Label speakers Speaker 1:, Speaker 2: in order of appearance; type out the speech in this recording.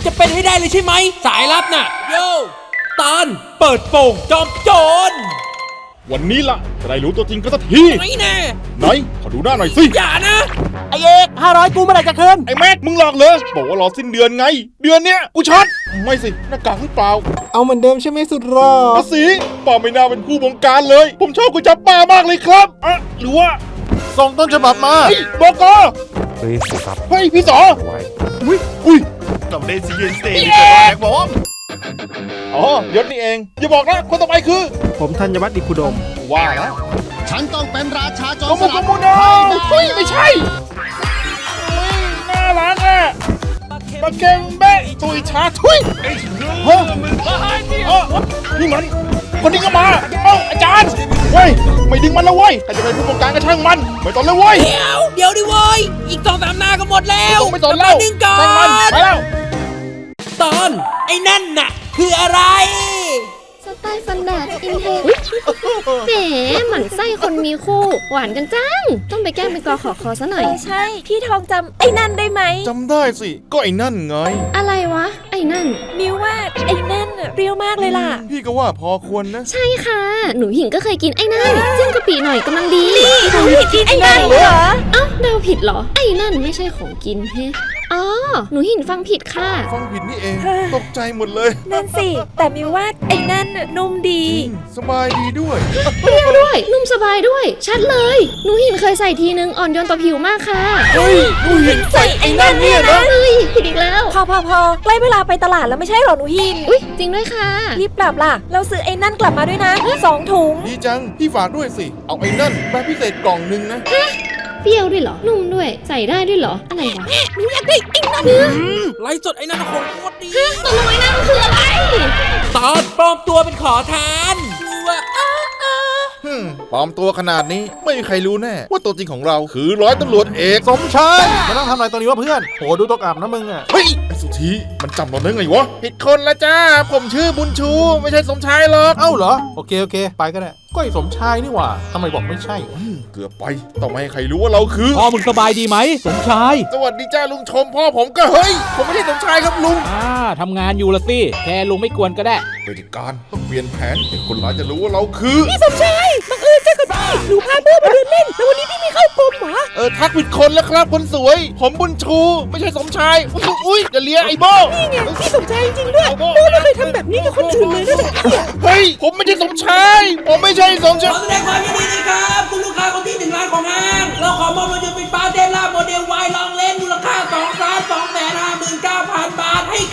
Speaker 1: จะเป็นให้ได้เลยใช่ไหมสายลับน่ะโย่ตอนเปิดโป่งจอมโจร
Speaker 2: วันนี้ล่ะจะได้รู้ตัวจริงกันสักที
Speaker 1: ไม่แน่
Speaker 2: ไหนขอดูหน้าหน่อยสิ
Speaker 1: อย่านะ
Speaker 3: ไอเอก500กูเมื่อไหร่จะคืน
Speaker 2: ไอ้แม็กมึงหลอกเลยบอกว่ารอสิ้นเดือนไง เดือนเนี้ยกูช็อตไม่สิหน้ากากหรือเปล่า
Speaker 3: เอาเหมือนเดิมใช่ไหมสุดรอ
Speaker 2: ภาษีป้าไม่น่าเป็นผู้บงการเลย ผมชอบกุจับป้ามากเลยครับอะหรือว่า
Speaker 3: ส่งต้นฉบับมา
Speaker 2: เฮ้ยบก
Speaker 4: เฮ้ยสิครับ
Speaker 2: เฮ้ยพี่สอ
Speaker 4: ไว้
Speaker 2: อุ้ย
Speaker 5: กับเดซิเยนสเตย์แท็กบอม
Speaker 2: อ๋อยศนี่เองอย่าบอกนะคนต่อไปคือ
Speaker 3: ผมธัญวัฒน์อิคุดม
Speaker 2: ว่าแล้ว
Speaker 5: ฉันต้องเป็นราชาโจร
Speaker 2: โม
Speaker 5: ส
Speaker 2: โม
Speaker 5: ลัด
Speaker 2: โมโนเฮ้ยไม่ใช่น่ารักอ่ะปาเกงเบ้ตุยชาทุยฮะนี่มันคนนี้ก็มาเอ้าอาจารย์เว้ยไม่ดึงมันแล้วเว้ยใครจะเป็นผู้บงการก็ช่างมันไม่ต้องเลยเว้ย
Speaker 1: เดี๋ยวดิเว้ยอีก2-3หน้าก็หมดแล้ว
Speaker 2: ไม่ต้องเล่า
Speaker 1: ดึงก่อ
Speaker 2: ช่างมัน
Speaker 1: น
Speaker 2: ไปแล้ว
Speaker 1: ตอนไอ้นั่นน่ะคืออะไร
Speaker 6: สไตล์ฟันแดดอินเทคแหมหมั่นไส้คนมีคู่ หวานกันจัง ต้องไปแกล้งเป็นกอขอคอซะหน่อย
Speaker 7: ใช่ พี่ทองจำไอ้นั่นได้ไหม
Speaker 2: จำได้สิก็ไอ้นั่นไง
Speaker 6: อะไรวะ ไอ้นั่น
Speaker 7: มิวว่าไอ้นั่นน่ะเปรี้ยวมากเลยล่ะ
Speaker 2: พี่ก็ว่าพอควรนะ
Speaker 6: ใช่ค่ะ หนูหญิงก็เคยกินไอ้นั่นจิ้มกะปิหน่อยกำลังดี
Speaker 7: หนูผิดที่ไอ้นั่นเหรอ
Speaker 6: เอ้าเดาผิดเหรอ ไอ้นั่นไม่ใช่ของกินเฮ้อ๋อ หนูหินฟังผิดค่ะ
Speaker 2: ฟังผิดนี่เองตกใจหมดเลย
Speaker 7: นั่นสิ แต่มิวว่าไอ้นั่นน่ะนุ่มดี
Speaker 2: สบายดีด้วย
Speaker 6: เปรี้ยวด้วย นุ่มสบายด้วย ชัดเลย หนูหินเคยใส่ทีนึงอ่อนโยนต่อผิวมากค่ะ
Speaker 2: เฮ้ยดูเห็นใส่ไอ้นั่นเนี่ยนะ
Speaker 6: เฮ้ยผิดอีกแล้ว
Speaker 7: พอใกล้เวลาไปตลาดแล้วไม่ใช่หรอหนูหิน
Speaker 6: อุ๊ย จริงด้วยค่ะ
Speaker 7: รีบกลับล่ะ เราซื้อไอ้นั่นกลับมาด้วยนะ2 ถุง
Speaker 2: ดีจังพี่ฝากด้วยสิ เอาไอ้นั่นแบบพิเศษกล่องนึงนะ
Speaker 6: เปรี้ยวด้วยเหรอ นุ่มด้วย ใส่ได้ด้วยเหรอ อะไรวะ
Speaker 1: หนูอยากได้ไอ้นั่นไลฟ์สดไอ้นั่นของโคตรดี
Speaker 6: ตกลงไอ้นั่นคืออะไร
Speaker 1: ตอนปลอมตัวเป็นขอทานคือว่า
Speaker 2: ปลอมตัวขนาดนี้ไม่มีใครรู้แน่ ว่าตัวจริงของเราคือร้อยตำรวจเอก
Speaker 3: สมชายมาต้องทำอะไรตรงนี้วะเพื่อนโหดูตกอับนะมึงอ่ะ
Speaker 2: เฮ้ยไอ้สุธีมันจำเราได้ไงวะผิดคนละจ้า ผมชื่อบุญชู ไม่ใช่สมชายหรอก
Speaker 3: เอ้าเหรอ โอเคไปก็ได้ก็ไอ้สมชายนี่หว่าทำไมบอกไม่ใช่วะ
Speaker 2: เกือบไปต้องไม่ให้ใครรู้ว่าเราคือ
Speaker 8: พ่อมึงสบายดีไหมสมชาย
Speaker 2: สวัสดีจ้าลุงชมพ่อผมก็เฮ้ย ผมไม่ใช่สมชายครับลุง
Speaker 8: ทำงานอยู่ละสิ แค่ลุงไม่กวนก็ได้
Speaker 2: บริการต้องเปลี่ยนแผนให้คนร้ายจะรู้ว่าเราคือ
Speaker 7: สมชายบังเอิญเจอกับพี่หนูพาเพื่อนมาเดินเล่น แล้ววันนี้พี่มีเข้ากลมเหรอ
Speaker 2: ทักผิดคนแล้วครับคนสวย ผมบุญชู ไม่ใช่สมชาย อุ้ยจะเลียไอ้โบ้
Speaker 7: นี่ไงพี่สมชายจริงๆด้วยโบ้ไม่เคยทำแบบนี้กับคนอื่นเลยนอกจากพี่อะ
Speaker 2: เฮ้ย ผมไม่ใช่สมชาย ผมไม่ใช่สมชา
Speaker 1: ขอย แสดงความยินดีนะครับคุณลูกค้าคนที่1 ล้านของห้างเราขอมอบรถยนต์ไฟฟ้าเดลล่าโมเดล Y ลองเล่นมูลค่า2,259,000 บาทให้